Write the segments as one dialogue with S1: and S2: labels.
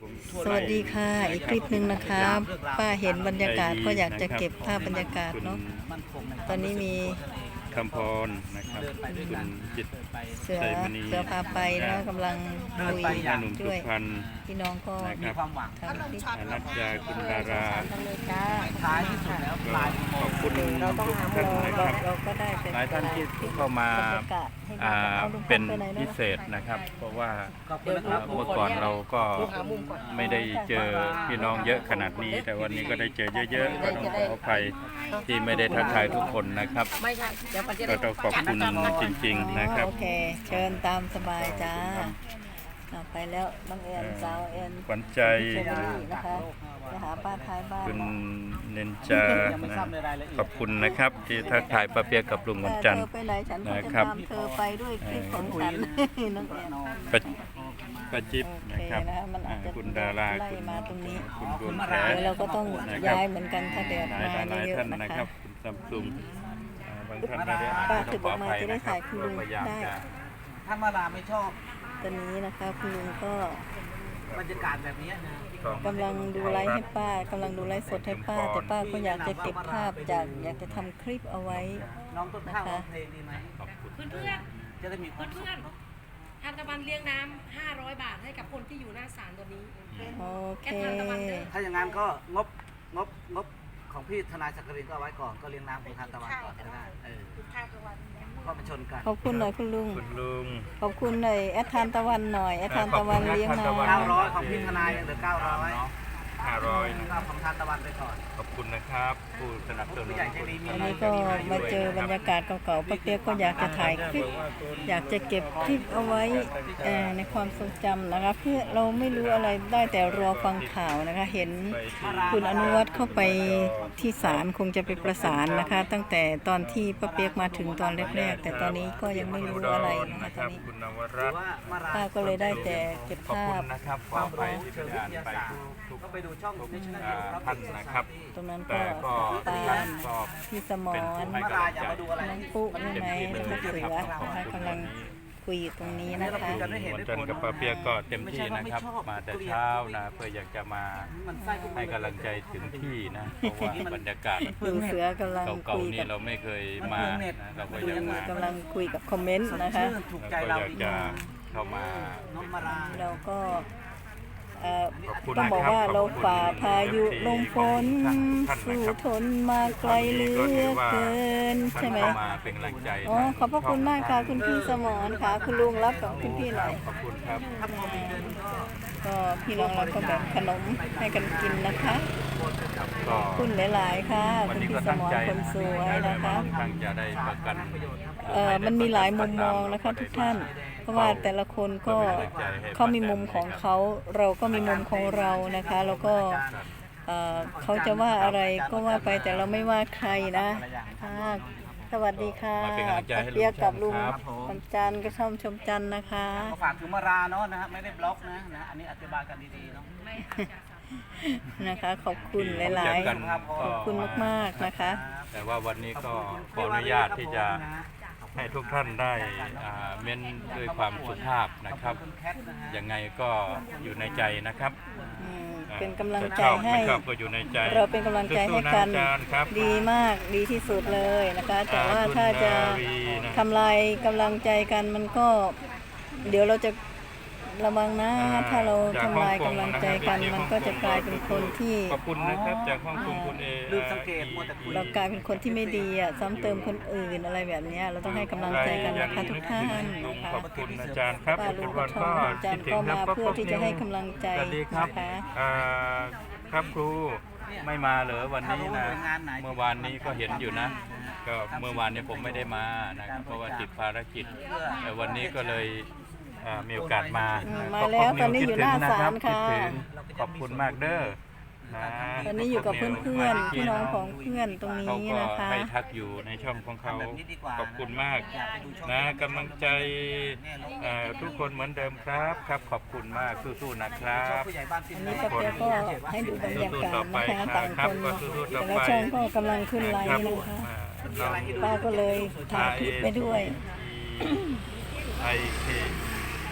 S1: สวัสดีค่ะอีกคลิปหนึ่งนะครับป้าเห็นบรรยากาศก็อยากจะเก็บภาพบรรยากาศเนาะตอนนี้มี
S2: คำพรนะครับคุณจิต
S1: เสือ
S2: ใจมณี
S1: พาไปนะกำลังคุย
S2: หนุ่มสุ
S1: ด้วย
S2: พรรณ
S1: พี่น้องก็
S2: นะครับ
S1: ทำคลิป
S2: อนัจจาคุณดารา
S1: เลยจ้า
S3: ท้ายที่สุดแล้ว
S2: ก็ขอบคุณทุกท่านนะครับ
S1: เราก็ได้เป็น
S2: หลายท่านที่เข้ามา
S1: บรรยากาศให้
S2: อ่า
S1: ดู
S2: เป็น
S1: ไปไหน
S2: พิ
S1: เนาะ
S2: เศษนะครับ เพราะว่า
S3: ขอบคุณนะครับ
S2: เมื่อก่อนเราก็ไม่ได้เจอพี่น้องเยอะขนาดนี้ แต่วันนี้ก็ได้เจอเยอะๆก็ต้องขออภัยที่ไม่ได้ทักทายทุกคนนะครับ
S3: ไม่ใช่เดี๋ยวมันจะ
S2: ก็
S3: ได้
S2: ต้องขอบคุณจริงๆนะครับ
S1: โอเค เชิญตามสบายจ้าไปแล้วน้องแอนสาวแอน
S2: ขวัญใจ
S1: เชอรี่นะคะจะหาป้าท้ายบ้าน
S2: คุณเนนจานะขอบคุณนะครับที่ทักทายป้าเปียกกับลุงวันจันท
S1: เธ
S2: ร์
S1: อไปไหนฉันก็จะ
S2: นะครับ
S1: ตามเธอไปด้วยคลิปของฉันน้องแอน
S2: ป้าจิ๊บ
S1: โอ
S2: นะ
S1: เค
S2: ครับ
S1: นะคะมันอาจจะ
S2: คุณดารา
S1: ไล่
S2: คุณ
S1: มาตรงนี้
S2: คุณดวงแข
S1: เดี๋ยวเราก็ต้อง
S2: นะครับ
S1: ย้ายเหมือนกันถ้าแดด
S2: ห
S1: มา
S2: ลาย
S1: เย
S2: ท่า
S1: อะ
S2: น
S1: ๆนะ
S2: นะค
S1: คะ
S2: รับคุณซัมซุงบางท่านไม่ได้อ่าน
S1: ป้า
S2: ก็
S1: ถึง
S2: ข
S1: อ
S2: อ
S1: อก
S2: อ
S1: มา
S2: ภัย
S1: จะได้
S2: นะครั
S1: ถ่า
S2: บ
S1: ยคุณ
S2: ก็
S1: ลุง
S2: พยายาม
S1: ได้
S2: จะ
S3: ถ้ามาลาไม่ชอบ
S1: ตอนนี้นะคะคุณลุงก็
S3: บรรยากาศแบบนี้นะ
S1: กำลังดูไลฟ์ให้ป้ากำลังดูไลฟ์สดให้ป้า แต่ป้าก็อยากจะเก็บภาพอยากจะทำคลิปเอาไว้
S3: น้องต้นข้าวร้องเพลงดีไหม
S2: ขอบคุณ
S4: เพื่อน
S3: จะได้มีความสุ
S4: เพื่
S3: ข
S4: อนๆทานตะวันเลี้ยงน้ำ500 บาทให้กับคนที่อยู่หน้าศาลตัวนี้
S1: โอเค
S3: ถ้าอย่างนั้นก็งบของพี่ทนายสักกรินก็เอาไว้ก่อนก็เลี้ยงน้ำของทานตะวันก่อนก็ได้ก็มาชนกัน
S1: ขอบคุณหน่อยคุณลุง
S2: คุณลุง
S1: ขอบคุณหน่อยแอดทานตะวันหน่อยแอดทานตะวันเลี้ยงน้
S3: 900ของพี่ทนายยังเหลือ900
S2: 500นะ
S3: ก็ของทานตะวันไปก่อน
S2: ขอบคุณนะครับ ผู้สนับสนุน
S3: ผู้ใหญ่ใจดี
S1: ำอันนี้ก็มาเจอบรรยากาศเก่าๆป้าเปียกก็อยากจะถ่ายคลิป อยากจะเก็บคลิปเอาไว้ในความทรงจำนะคะเพื่อเราไม่รู้อะไรได้แต่รอฟังข่าวนะคะ เห็นคุณอนุวัฒน์เข้าไปที่ศาลคงจะไปประสานนะคะ ตั้งแต่ตอนที่ป้าเปียกมาถึงตอนแรกๆแต่ตอนนี้ก็ยังไม่รู้อะไรนะคะตอนนี้
S2: คุณนว
S3: หรื
S2: รั
S3: อ
S2: ตน์
S3: ว่ามาลา
S1: ป้าก็เลยได้แต่เก็บ
S2: ขอบ
S1: ภา
S2: คุ
S1: พ
S2: ณนะครับขออภัยที่ไม่ได้อ่านไปทุก
S3: ก็ไปดูช่อง
S2: ท่านนะครับ
S1: ตรงนั้น
S2: แต่
S1: ก็
S2: ก็
S1: ตา
S2: ท่าน
S1: ม
S2: ก็
S1: พี่สม
S2: เป็น
S1: ร
S2: ผู้ให้
S3: มาก
S2: ำ
S3: ลา
S2: ลัง
S3: อย่า
S2: ใจ
S3: มาดูอะไร
S1: น้องปุ๊ใช่ไหม
S2: เต็ม
S1: แล้ว
S2: ที่
S1: ก็
S2: เลย
S1: เสือ
S2: ครับขอบ
S1: นะคะ
S2: คุณ
S1: กำลังคุยอยู่ตรงนี้นะคะ
S2: วันจันทร์กับป้าเปียกก็เต็มที่นะครับ มาแต่เช้านะเพื่ออยากจะมา
S3: มันไส้ก็
S2: ให้กำลังใจถึงที่นะเพราะว่าบรรยากาศ
S1: ลุงเสือกำลัง
S2: เก่า
S1: คุย
S2: ๆนี่
S1: กับ
S2: เราไม่เคยมานะเราก็อยากมา
S1: กำลังคุยกับคอมเมนต์นะคะ
S3: ถูก
S2: เรา
S3: ใจ
S2: ก็
S3: เรา
S2: อยากจะเข้ามา
S3: น้องมาลา
S1: เราก็
S2: ขอบคุณ
S1: ต้องบอกว่า
S2: นะครับ
S1: เราฝ่า
S2: ขอบคุณ
S1: พายุ
S2: ที่
S1: ลมฝน
S2: ท่านนะครับ
S1: สู้ทนมาไกลเหลือเกินใช่ไหม
S2: เข้ามาเป็นกำลังใจ
S1: อ๋อขอบพระคุณมากค่ะคุณพี่สมรค่ะ คุณลุงรับกับคุณพี่หน่อย
S2: ขอบคุณครับ
S3: ถ้าพอมีเงินก็
S1: ก็พี่น้องเราก็แบ่งขนมให้กันกินนะคะ
S2: ก็
S1: คุณหลายๆค่ะ
S2: วัน
S1: คุณ
S2: นี้
S1: พี่
S2: ก็
S1: ส
S2: ตั้ง
S1: มร
S2: ใจ
S1: คนสวยนะคะ
S2: ตั้งจะได้ประกัน
S1: มันมีหลายมุมมองนะคะทุกท่าน เพราะว่าแต่ละคนก็เขามีมุมของเขาเราก็มีมุมของเรานะคะแล้วก็เขาจะว่าอะไรก็ว่าไปแต่เราไม่ว่าใครนะค่ะสวัสดีค่ะ
S2: มาเป็นกำลังใจให้ลุง
S1: เปียกกับลุง
S2: ครับ
S1: วันจันทร์ก็ช่อมชมจันทร์นะคะ
S3: ก็ฝากถึงมาราเนาะนะฮะไม่ได้บล็อกนะอันนี้อธิบายกันดีๆเนาะ
S1: นะคะ ขอบคุณหลาย
S2: เจอกัน
S1: ๆขอบคุณมากๆนะคะ
S2: แต่ว่าวันนี้ก็ขออนุญาตที่จะให้ทุกท่านได้เม้นด้วยความสุภาพนะครับ
S3: คุณแคทนะฮะ
S2: ยังไงก็อยู่ในใจนะครับ
S1: เป็นกำลังใจ
S2: จะชอบ
S1: ให้
S2: ไม่ชอบก็อยู่ในใจ
S1: เราเป็นกำลังใจให้กัน
S2: สู้ๆะอาจารย์ครับ
S1: ดีมากดีที่สุดเลยนะคะ แต่ว่าถ้าจะ
S2: คุณนาวีนะ
S1: ทำลายกำลังใจกันมันก็ เดี๋ยวเราจะระวังนะ ถ้าเราทำลายกำลังใจกัน มันก็จะกลายเป็นคนที่
S2: ขอบคุณนะครับจากห้องกงคุณเอ
S3: ลืมสังเกตมัวแต่คุย
S1: เรากลายเป็นคนที่ไม่ดีอ่ะซ้ำเติมคนอื่นอะไรแบบเนี้ยเราต้องให้กำลังใจกันนะคะทุกท่าน
S2: ลุง
S1: นะคะ
S2: ขอบคุณอาจารย์ครับ
S1: ป้าลุง
S2: ทุ
S1: ก็
S2: ก
S1: ช
S2: วั
S1: อน บ
S2: ก็
S1: อาจาร
S2: คิด
S1: ย์
S2: ถึ
S1: ก็
S2: ง
S1: มา
S2: ครับ
S1: เพื่อที่จะให้กำลังใจ
S2: สวัสดีครับ
S1: นะคะ
S2: ครับครูไม่มาเหรอวันนี้
S3: ถ้ารู้
S2: นะ
S3: หน่วยงานไหน
S2: เมื่อวานนี้ก็เห็นอยู่นะ ก็เมื่อวานนี้ผมไม่ได้มานะครับเพราะว่าติดภารกิจแต่วันนี้ก็เลยมีโอกาสมา
S1: มาแล้วตอนนี้อยู่หน้าศาล
S2: คิด
S1: ค่ะ
S2: ถึงขอบคุณมากเด้อนะ
S1: ตอนนี้อยู่กับเพื่อนๆพี่น้องของเพื่อนตรง
S2: เขา
S1: นี้
S2: ก็
S1: นะคะ
S2: ให้ทักอยู่ในช่องของเขาขอบคุณมากนะกำลังใจทุกคนเหมือนเดิมครับครับขอบคุณมากสู้ๆนะครับ
S3: ผู้ใหญ่บ้านที่
S1: อัน
S3: นี่
S1: นี้ป้าเปียกก็ให้ดูบรรยากาศนะคะต่างคนแต่ละช่องก็กำลังขึ้นไลน์นะคะ ป้าก็เลยถ่ายคลิปไปด้วย
S2: ไอเค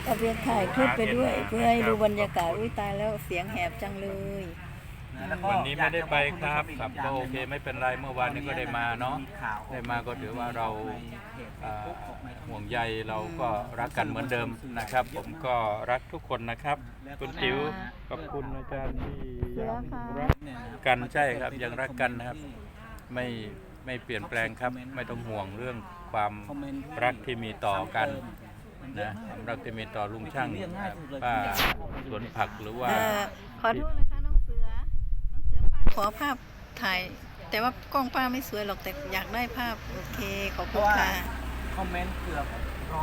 S1: ก็เพียงถ่ายคลิปไปด้วย เพื่อให้ดูบรรยากาศอุ้ยตายแล้วเสียงแหบจังเลย
S3: แล้วก็
S2: วันนี้ไม่ได้ไปครับครับก็โอเคไม่เป็นไรเมื่อวานนี้ก็ได้มาเนาะได้มาก็ถือว่าเราห่วงใยเราก็รักกันเหมือนเดิมนะครับ ผมก็รักทุกคนนะครับคุณจิ๋วขอบคุณอาจารย์ที่
S1: เสือค่ะ
S2: รักกันใช่ครับยังรักกันนะครับไม่เปลี่ยนแปลงครับไม่ต้องห่วงเรื่องความรักที่มีต่อกันนะความรักที่มีต่อลุงช่างป้าสวนผักหรือว่า
S1: ขอโทษนะคะน้องเสือป้าขอภาพถ่าย แต่ว่ากล้องป้าไม่สวยหรอกแต่อยากได้ภาพโอเคขอบคุณค่ะ
S3: คอมเมนต์เกือบ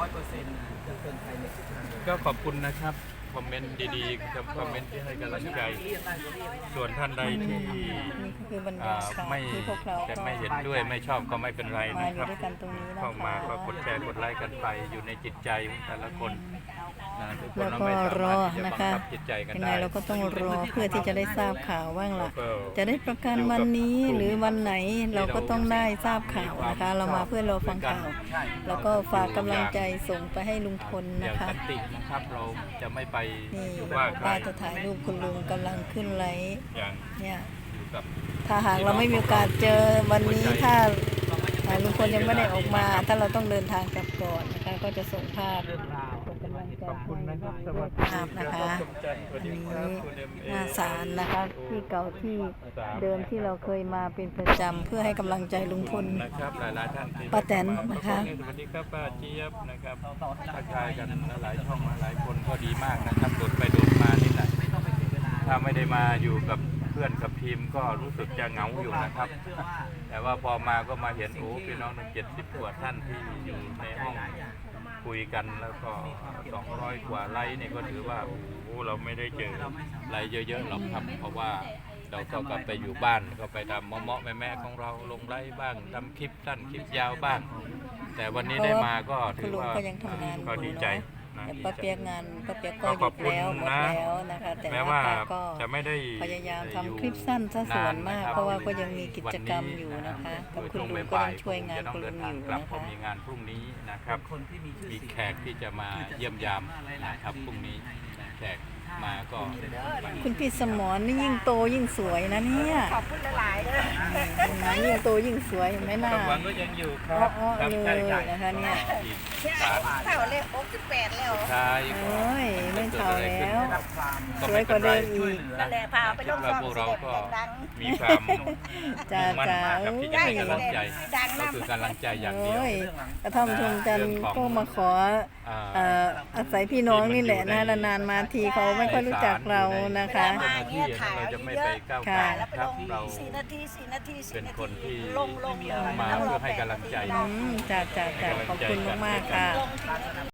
S3: 100%จะเป็นใครในสิบครั้ง
S2: ก็ขอบคุณนะครับคอมเมนต์ดีๆกับคอมเมนต์ที่ให้กำลังใจ ส่วนท่านใดที่
S1: นี่ก็คือบรรยากาศ
S2: ไม่
S1: ที่พวกเรา
S2: จะ
S1: ก็
S2: ไม่เห็นด้วยไม่ชอบก็ไม่เป็นไร
S1: มา
S2: นะ
S1: อ
S2: ค
S1: ยู่
S2: รับ
S1: ด้วยกันตรงนี้นะ
S2: เข้ามาก็
S1: คะ
S2: กดแชร์กดไลค์กันไปอยู่ในจิตใจของแต่ละคนนะทุกคน
S1: แล้ว
S2: เรา
S1: ก็
S2: ไม่สาร
S1: อ
S2: มารถที่จะ
S1: นะ
S2: บัง
S1: คะ
S2: คับจิตใจกัน
S1: ยังไง
S2: ได้
S1: เราก็ต้องรอเพื่อที่จะได้ทราบข่าวว่างล่ะ
S2: แล้วก็
S1: จะได้ประกันวันนี้หรือวันไหนเราก็ต้องได้ทราบข่าวนะคะ เรามาเพื่อรอฟังข่าว แล้วก็ฝากกำลังใจส่งไปให้ลุงพล
S2: อ
S1: นะ
S2: ย่าง
S1: คะ
S2: สันตินะครับเราจะไม่ไป
S1: นี่
S2: ว่าใคร
S1: ป้าจะถ่ายรูปคุณลุงกำลังขึ้นไลฟ์
S2: อย่าง
S1: เนี่ย
S2: อยู่กับ
S1: ถ้าหากเราไม่มีโอกาสเจอวันนี้ถ้าลุงพลยังไม่ได้ออกมา ถ้าเราต้องเดินทางกลับก่อนนะคะ ก็จะส่งภาพส่งกำลังใจ
S2: ขอบคุณนะครับส
S1: ให้
S2: วัส
S1: ภาพนะคะ
S2: สวัส
S1: อัน
S2: ดี
S1: นี้
S2: ครับคุณ MA
S1: หน้าศาลนะคะที่เก่าที่เดิมที่เราเคยมาเป็นประจำเพื่อให้กำลังใจลุงพล
S2: นะครับหลายๆท่านที่
S1: ป้าแตนนะคะ
S2: สวัสดีครับป้าเจี๊ยบนะครับทักทายกันหลายช่องมาหลายคนก็ดีมากนะครับโดดไปโดดมานี่แหละถ้าไม่ได้มาอยู่กับเพื่อนกับทีมก็รู้สึกจะเหงาอยู่นะครับ แต่ว่าพอมาก็มาเห็นโอ้พี่น้อง70 กว่าท่านที่อยู่ในห้องคุยกันแล้วก็200 กว่าไลค์นี่ก็ถือว่าโอ้โหเราไม่ได้เจอไลค์เยอะๆหรอกครับ เพราะว่าเราก็กลับไปอยู่บ้านก็ไปทำเมาะๆแม่ๆของเราลงไลค์บ้างทำคลิปสั้นคลิปยาวบ้าง แต่วันนี้ได้มาก็
S1: คุ
S2: ถื
S1: ณ
S2: อ
S1: ลุง
S2: ว่า
S1: ก็ยังทำงานอ
S2: ก็
S1: ยู่
S2: ดีใจ
S1: เนาะ
S2: นะ
S1: แต่ป้าเปียกงานป้าเปียกก็ห
S2: ข
S1: ยุ
S2: อบ
S1: ด
S2: คุณ
S1: แล้วหมด
S2: นะ
S1: แล้วนะคะ แต่
S2: แม้
S1: ว่า
S2: ว่า
S1: ป้าก็
S2: จะไม่ได้
S1: พยายาม
S2: อยู่
S1: ทำคลิปสั้นซะส่วนมาก
S2: นนนคบ
S1: เพราะว่าก็ยังมีกิจกรรมอยู่นะคะกับคุณลุงก็ยังช่วยงาน
S2: จะต้อง
S1: คุณ
S2: เดิ
S1: ลุ
S2: น
S1: ง
S2: ทา
S1: อง ยู่
S2: กลับ
S1: นะ
S2: เพราะ
S1: คะ
S2: มีงานพรุ่งนี้นะครับ
S3: คนที่มีชื่อ
S2: มี
S3: เสียง
S2: แขกที่จะมาเยี่ยมยามนะครับพรุ่งนี้แขกมาก็
S1: คุณพี่สมรนี่ยิ่งโตยิ่งสวยนะเนี่ย
S5: ขอบคุณหลายๆเลย
S1: เห็นไหมยิ่งโตยิ่งสวยเห็นไหมหน้า
S2: ความหวังก็ยังอยู่ครับ
S1: อ้อๆ
S2: ครับ
S1: เลย
S2: ใช่
S1: นะคะเนี่ย
S2: อีก
S5: เท่าเลข68แล้ว
S2: ใช่
S1: เอ้ยไม่เท่าแล้ว
S2: ก็
S1: สว
S2: ไม่
S1: ยก
S2: เป็น
S1: ว่า
S2: ไร
S1: เดิมอีก
S5: นั่นแหละพาไปลง
S2: คิด
S5: ซ่
S2: ว่า
S5: อง
S2: พวกเราก็
S5: ดัง
S2: มีความ
S1: จ้า
S2: มุ่งมั่น
S1: จ้า
S2: นะครับที่จะให้กำลังใจก็คือกำลังใจอย่างเดียว
S1: โอ้ยกระท่อมชมจันทร์ก็มาขอ
S2: อ่า
S1: อาศัยพี่น้องนี่แหละนะนานๆมาทีเขาไม่ค่อยรู้จักเรานะคะ
S2: เจ้าหน้าที่เราจะไม่ไปก้าวไก่
S1: ค่ะ
S5: ๆ แล้ว
S2: นะ
S5: ไป
S2: ครั
S5: ล
S2: บ
S5: ง
S2: เรา
S5: 4 นาที 4 นาที
S2: เป็น
S5: 4 นา
S2: คน
S5: ที
S2: ที่
S5: ลงเลย
S2: มาเพื่อให้กำลังใจ
S1: จ้าจ้าจ้าขอบคุณมากๆค่ะ
S5: ลง4 นาที